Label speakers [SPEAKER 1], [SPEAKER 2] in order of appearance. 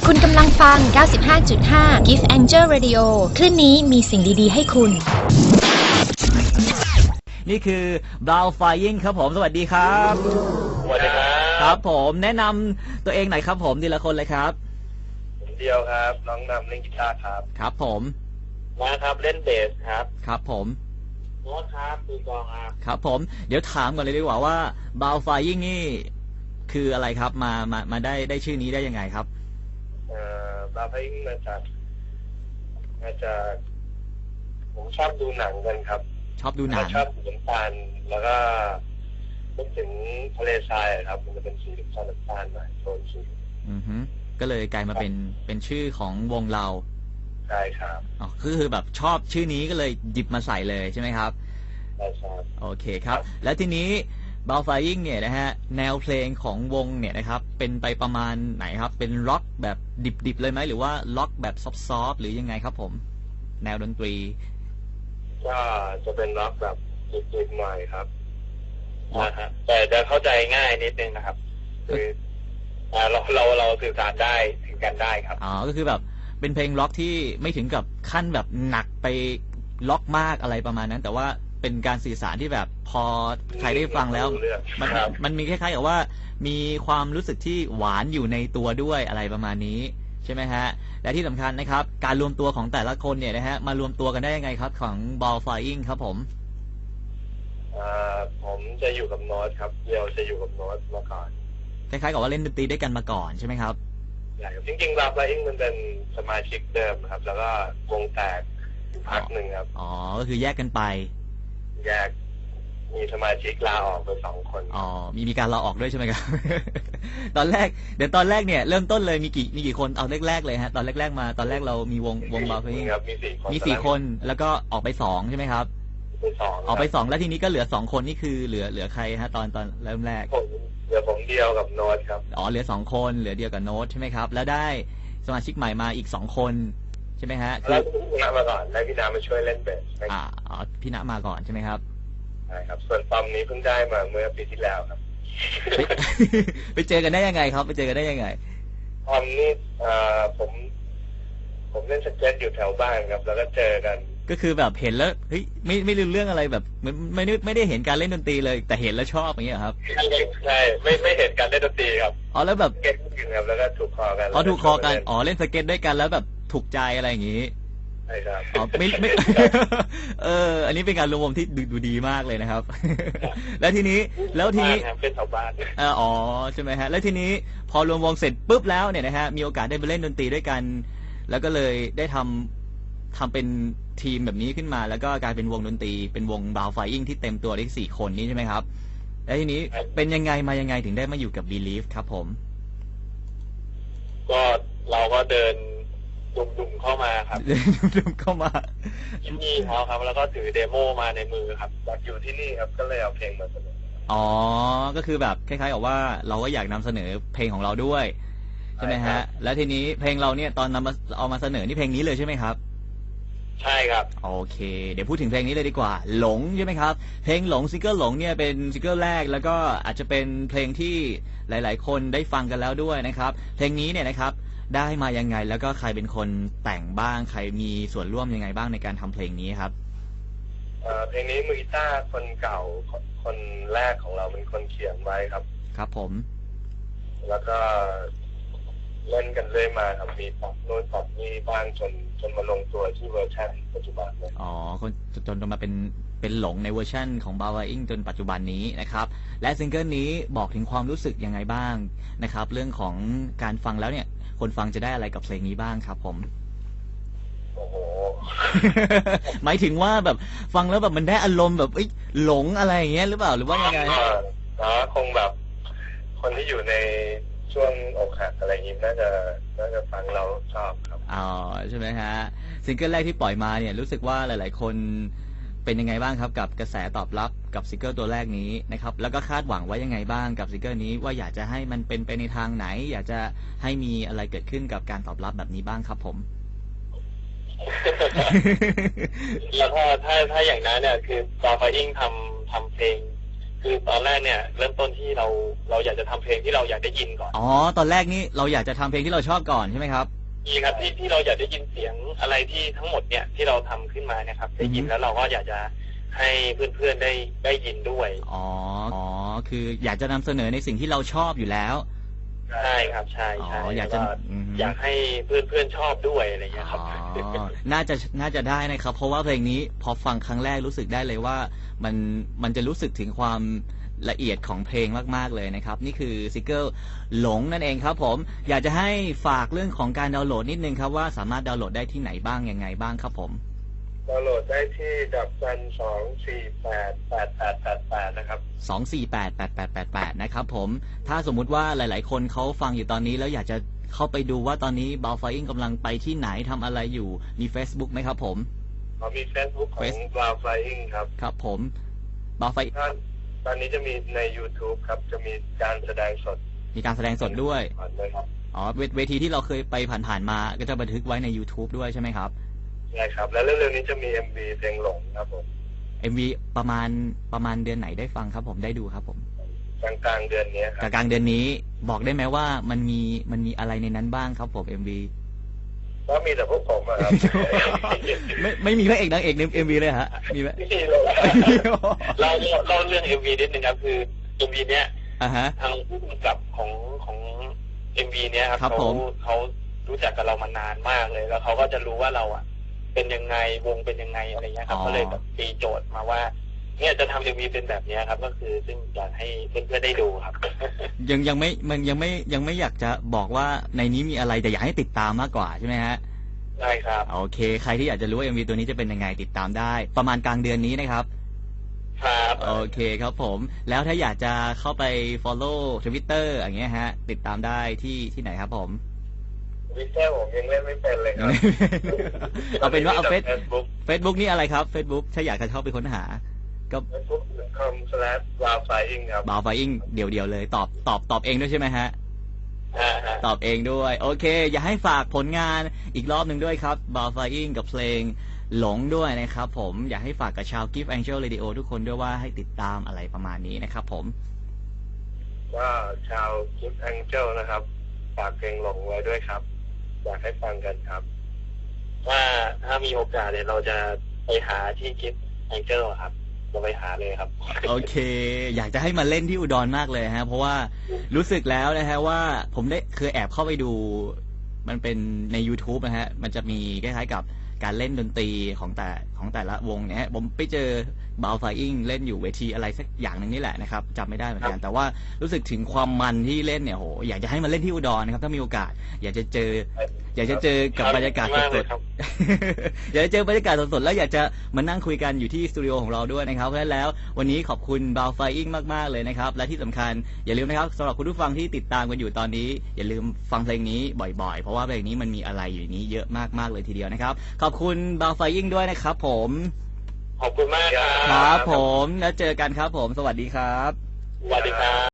[SPEAKER 1] คุณกำลังฟัง 95.5 Gift Angel Radio คลื่นนี้มีสิ่งดีๆให้คุณ
[SPEAKER 2] นี่คือ Brown Flying ครับผมสวัสดีครับ
[SPEAKER 3] สวัสดีครับ
[SPEAKER 2] ครับผมแนะนำตัวเองหน่อยครับผมทีละคนเลยครับ
[SPEAKER 3] ผมเดียวครับน้องนำเล่นกีตาร์ครับ
[SPEAKER 2] ครับผม
[SPEAKER 3] มาครับเล่นเบสครับ
[SPEAKER 2] ครับผม
[SPEAKER 3] โน้ตครับตีกลอง
[SPEAKER 2] ครับผมเดี๋ยวถามก่อนเลยดีกว่าว่า Brown Flying นี่คืออะไรครับมาได้ชื่อนี้ได้ยังไงครับ
[SPEAKER 3] บาร์พิงมาจากผมชอบดูหนังกันครับ
[SPEAKER 2] ชอบดูหนัง
[SPEAKER 3] ชอบสีน้ำตาลแล้วก็นึกถึงทะเลทรายครับมันจะเป็นสีน้ำตาลหน่อยโทนสี
[SPEAKER 2] ก็เลยกลายมาเป็นชื่อของวงเรา
[SPEAKER 3] ใช่ครับ
[SPEAKER 2] อ๋อคือแบบชอบชื่อนี้ก็เลยหยิบมาใส่เลยใช่ไหมครับ
[SPEAKER 3] ใช่ครับ
[SPEAKER 2] โอเคครับแล้วทีนี้Brown Flying เนี่ยนะฮะแนวเพลงของวงเนี่ยนะครับเป็นไปประมาณไหนครับเป็นร็อกแบบดิบๆเลยไหมหรือว่าล็อกแบบซอฟต์ๆหรือยังไงครับผมแนวดนตรี
[SPEAKER 3] ก็จะเป็นร็อกแบบดิบๆหน่อยครับนะฮะแต่จะเข้าใจง่ายนิดนึงนะครับคือเราสื่อสารได้ถึงกันได้ครับ
[SPEAKER 2] อ๋อก็คือแบบเป็นเพลงล็อกที่ไม่ถึงกับขั้นแบบหนักไปล็อกมากอะไรประมาณนั้นแต่ว่าเป็นการสื่อสารที่แบบพอใครได้ฟังแล้วมันมีคล้ายๆกับว่ามีความรู้สึกที่หวานอยู่ในตัวด้วยอะไรประมาณนี้ใช่ไหมฮะและที่สำคัญนะครับการรวมตัวของแต่ละคนเนี่ยนะฮะมารวมตัวกันได้ยังไงครับของ Brown Flying ครับผม
[SPEAKER 3] ผมจะอยู่กับโน้ตครับเดียวจะอยู่กับโน้ตมาก่อน
[SPEAKER 2] คล้ายๆกับว่าเล่นดนตรีด้วยกันมาก่อนใช่ไหมครับ
[SPEAKER 3] ใช่ครับจริงๆBrown Flyingมันเป็นสมาชิกเดิมครับแล้วก็วงแตกพักหนึ่งครับ
[SPEAKER 2] อ๋อก็คือแยกกันไป
[SPEAKER 3] แยกมีสมาชิกลาออกไป2 คน
[SPEAKER 2] อ๋อมีการลาออกด้วยใช่ไหมครับ ตอนแรกเนี่ยเริ่มต้นเลยมีกี่คนเอาแรกๆเลยฮะตอนแรกๆมาตอนแรกเรามีวงBrown Flying
[SPEAKER 3] ครับมี
[SPEAKER 2] 4 คนแล้วก็ออกไป2ใช่ไหมครับออกไป2แล้วทีนี้ก็เหลือ2 คนนี่คือเหลือใครฮะตอนเริ่มแรก
[SPEAKER 3] เหลือผมเดียวกับโน้ตครับ
[SPEAKER 2] อ๋อเหลือ2 คนเหลือเดียวกับโน้ตใช่ไหมครับแล้วได้สมาชิกใหม่มาอีก2 คนใช่ไหมฮะ
[SPEAKER 3] แล้วพี่ณมาก่อนแล้วพี่ณมาช่วยเล่นเบส
[SPEAKER 2] อ๋อพี่ณมาก่อนใช่ไหมครับ
[SPEAKER 3] ใช่ครับส่วนปอมนี้เพิ่งได้มาเมื่อปีที่แล้วครับ
[SPEAKER 2] ไปเจอกันได้ยังไงครับไปเจอกันได้ยังไง
[SPEAKER 3] ปอมนี่ผมเล่นสเก็ตอยู่แถวบ้านครับแล้วก็เจอกัน
[SPEAKER 2] ก็คือแบบเห็นแล้วเฮ้ยไม่รู้เรื่องอะไรแบบไม่ได้เห็นการเล่นดนตรีเลยแต่เห็นแล้วชอบอย่างเงี้ยครับ
[SPEAKER 3] ใช่ไม่เห็นการเล่นดนตรีครับ
[SPEAKER 2] อ๋อแล้วแบบ
[SPEAKER 3] เก็ตกันครับแล้วก็ถูกคอกัน
[SPEAKER 2] ถูกคอกันอ๋อเล่นสเก็ตด้วยกันแล้วแบบถูกใจอะไรอย่างงี้
[SPEAKER 3] ใช่ครับ
[SPEAKER 2] อ๋อไม่อันนี้เป็นการรวมที่ดูดีมากเลยนะครับแล้วทีนี้
[SPEAKER 3] เป็นชาวบ้าน
[SPEAKER 2] อ๋อใช่ไหมฮะแล้วทีนี้พอรวมวงเสร็จปุ๊บแล้วเนี่ยนะฮะมีโอกาสได้ไปเล่นดนตรีด้วยกันแล้วก็เลยได้ทำเป็นทีมแบบนี้ขึ้นมาแล้วก็กลายเป็นวงดนตรีเป็นวง Brown Flying ที่เต็มตัวได้4 คนนี้ใช่ไหมครับแล้วทีนี้เป็นยังไงมายังไงถึงได้มาอยู่กับ Believe ครับผม
[SPEAKER 3] ก็เราก็เดินดุ่มเข้ามาครับ
[SPEAKER 2] ดุ่มเข้ามา
[SPEAKER 3] ที่นี่เขาครับแล้วก็ถือเดโมมาในมือครับอยากอยู่ที่นี่ครับก็เลยเอาเพลงมาเสนอ
[SPEAKER 2] อ๋อก็คือแบบคล้ายๆกับว่าเราก็อยากนำเสนอเพลงของเราด้วยใช่ไหมฮะแล้วทีนี้เพลงเราเนี่ยตอนเอามาเสนอนี่เพลงนี้เลยใช่ไหมครับ
[SPEAKER 3] ใช่ครับ
[SPEAKER 2] โอเคเดี๋ยวพูดถึงเพลงนี้เลยดีกว่าหลงใช่ไหมครับเพลงหลงซิงเกิลหลงเนี่ยเป็นซิงเกิลแรกแล้วก็อาจจะเป็นเพลงที่หลายๆคนได้ฟังกันแล้วด้วยนะครับเพลงนี้เนี่ยนะครับได้มายังไงแล้วก็ใครเป็นคนแต่งบ้างใครมีส่วนร่วมยังไงบ้างในการทำเพลงนี้ครับ
[SPEAKER 3] เพลงนี้มือกีตาร์คนเก่าคนแรกของเราเป็นคนเขียนไว้ครับ
[SPEAKER 2] ครับผม
[SPEAKER 3] แล้วก็เล่นกันเรื่อยมาครับมีปรับโน้นปรับนี่บ้างจนมาลงตัวที่เวอร์ชันปัจจุบันเลย
[SPEAKER 2] อ๋อจนมาเป็นหลงในเวอร์ชันของ Brown Flying จนปัจจุบันนี้นะครับและซิงเกิลนี้บอกถึงความรู้สึกยังไงบ้างนะครับเรื่องของการฟังแล้วเนี่ยคนฟังจะได้อะไรกับเพลงนี้บ้างครับผม
[SPEAKER 3] โอ้โห
[SPEAKER 2] หมายถึงว่าแบบฟังแล้วแบบมันได้อารมณ์แบบหลงอะไรอย่างเงี้ยหรือเปล่าหรือว่ายังไง
[SPEAKER 3] คงแบบคนที่อยู่ในช่วงอกหักอะไรอย่างนี้น่าจะฟังเราชอบครับ
[SPEAKER 2] อ๋อใช่ไหมฮะซิงเกิลแรกที่ปล่อยมาเนี่ยรู้สึกว่าหลายๆคนเป็นยังไงบ้างครับกับกระแสตอบรับกับซิงเกิลตัวแรกนี้นะครับแล้วก็คาดหวังไว้ยังไงบ้างกับซิงเกิลนี้ว่าอยากจะให้มันเป็นไปในทางไหนอยากจะให้มีอะไรเกิดขึ้นกับการตอบรับแบบนี้บ้างครับผม
[SPEAKER 3] แล้วถ้าอย่างนั้นเนี่ยคือBrown Flyingทำเพลงคือตอนแรกเนี่ยเริ่มต้นที่เราอยากจะทำเพลงที่เราอยากได้ยินก่อน
[SPEAKER 2] อ๋อตอนแรกนี่เราอยากจะทำเพลงที่เราชอบก่อนใช่ไหมครับ
[SPEAKER 3] นี่ครับที่เราอยากได้ยินเสียงอะไรที่ทั้งหมดเนี่ยที่เราทำขึ้นมาเนี่ยครับได้ยินแล้วเราก็อยากจะให้เพื่อนๆได้ยินด้วย
[SPEAKER 2] อ๋อคืออยากจะนำเสนอในสิ่งที่เราชอบอยู่แล้ว
[SPEAKER 3] ใช่ครับใช่
[SPEAKER 2] อ๋อ
[SPEAKER 3] แล้ว
[SPEAKER 2] อยากจะ
[SPEAKER 3] อยากให้เพื่อนๆชอบด้วยอะไรเงี้ยครับ
[SPEAKER 2] อ๋อน่าจะได้นะครับ เพราะว่าเพลงนี้พอฟังครั้งแรกรู้สึกได้เลยว่ามันจะรู้สึกถึงความละเอียดของเพลงมากๆเลยนะครับนี่คือซิงเกิลหลงนั่นเองครับผมอยากจะให้ฝากเรื่องของการดาวน์โหลดนิดนึงครับว่าสามารถดาวน์โหลดได้ที่ไหนบ้างยังไงบ้างครับผม
[SPEAKER 3] ดาวน์โหลดได้ที่.2488888นะครับ
[SPEAKER 2] 2488888นะครับผมถ้าสมมุติว่าหลายๆคนเขาฟังอยู่ตอนนี้แล้วอยากจะเข้าไปดูว่าตอนนี้บาวไฟอิงกำลังไปที่ไหนทำอะไรอยู่มี Facebook ไหมครับผม
[SPEAKER 3] มี Facebook ของ Cloud Flying ครับ
[SPEAKER 2] ครับผมบาวไฟ
[SPEAKER 3] ตอนนี้จะมีใน YouTube ครับจะมีการแสดงสด
[SPEAKER 2] ด้วย
[SPEAKER 3] ครับ
[SPEAKER 2] อ๋อเวทีที่เราเคยไปผ่านๆมาก็จะบันทึกไว้ใน YouTube ด้วยใช่ไหมครับ
[SPEAKER 3] ใช่ครับแล้วเร็วๆนี้จะมี MV เพลงหลงครับผม
[SPEAKER 2] MV ประมาณเดือนไหนได้ฟังครับผมได้ดูครับผม
[SPEAKER 3] กลางเดือนนี้ครับ
[SPEAKER 2] กลางเดือนนี้บอกได้ไหมว่ามันมีอะไรในนั้นบ้างครับผม MV
[SPEAKER 3] ก็มีแต่พวกผมครับ
[SPEAKER 2] ไม่มีพระเอกนางเอกใน MV เลยฮะมีไหม
[SPEAKER 3] เราเรื่อง MV นิดนึงครับคือ MV เนี้ยทางผู้กำกับของ MV เนี้ยครับเขารู้จักกับเรามานานมากเลยแล้วเขาก็จะรู้ว่าเราอ่ะเป็นยังไงวงเป็นยังไงอะไรเงี้ยครับก็เลยแบบตีโจทย์มาว่าเนี่ยจะทำ MV เป็นแบบนี้ครับก็คือซึ่งอยากให้เพื่อนๆได้ดูครับ
[SPEAKER 2] ยังไม่อยากจะบอกว่าในนี้มีอะไรแต่อยากให้ติดตามมากกว่าใช่ไหมฮะ
[SPEAKER 3] ใช่ครับ
[SPEAKER 2] โอเคใครที่อยากจะรู้ว่า MV ตัวนี้จะเป็นยังไงติดตามได้ประมาณกลางเดือนนี้นะครับ
[SPEAKER 3] ครับ
[SPEAKER 2] โอเคครับผมแล้วถ้าอยากจะเข้าไป follow Twitter อย่างเงี้ยฮะติดตามได้ที่ไหนครับผม
[SPEAKER 3] Twitter ผมยังเล่นไม่เป็นเลยครับ
[SPEAKER 2] เอาเป็นว่าเอาFacebook นี่อะไรครับ Facebook ถ้าอยากจะเข้าไปค้นหาก็
[SPEAKER 3] facebook.com/bowflying ครับ
[SPEAKER 2] bowflying เดี่ยวเลยตอบเองด้วยใช่ไหมฮะตอบเองด้วยโอเคอยากให้ฝากผลงานอีกรอบหนึ่งด้วยครับ bowflying กับเพลงหลงด้วยนะครับผมอยากให้ฝากกับชาว Gift Angel Radio ทุกคนด้วยว่าให้ติดตามอะไรประมาณนี้นะครับผม
[SPEAKER 3] ก็ชาว Gift Angel นะครับฝากเพลงหลงไว้ด้วยครับอยากให้ฟังกันครับว่าถ้ามีโอกาสเนี่ยเราจะไปหาที่ Gift Angel ครับจะไปหาเลยครับ
[SPEAKER 2] โอเคอยากจะให้มาเล่นที่อุดรมากเลยฮะเพราะว่ารู้สึกแล้วนะฮะว่าผมได้เคยแอบเข้าไปดูมันเป็นใน YouTube นะฮะมันจะมีคล้ายๆกับการเล่นดนตรีของแต่ละวงเนี่ยผมไปเจอบาวไฟอิงเล่นอยู่เวทีอะไรสักอย่างหนึ่งนี่แหละนะครับจำไม่ได้เหมือนกันแต่ว่ารู้สึกถึงความมันที่เล่นเนี่ยโหอยากจะให้มาเล่นที่อุดรนะครับถ้ามีโอกาสอยากจะเจอกับบรรยากาศสดๆอยากจะเจอบรรยากาศสดๆแล้วอยากจะมานั่งคุยกันอยู่ที่สตูดิโอของเราด้วยนะครับเพราะฉะนั้นแล้ววันนี้ขอบคุณบาวไฟอิงมากๆเลยนะครับและที่สำคัญอย่าลืมนะครับสำหรับคุณผู้ฟังที่ติดตามกันอยู่ตอนนี้อย่าลืมฟังเพลงนี้บ่อยๆเพราะว่าเพลงนี้มันมีอะไรอยู่นี้เยอะมากๆเลยทีเดียวนะครับขอบคุณบาวไฟอิงด้วยนะครับผม
[SPEAKER 3] ขอบคุณมาก
[SPEAKER 2] ครับผมแล้วเจอกันครับผมสวัสดีครับ
[SPEAKER 3] สวัสดีครับ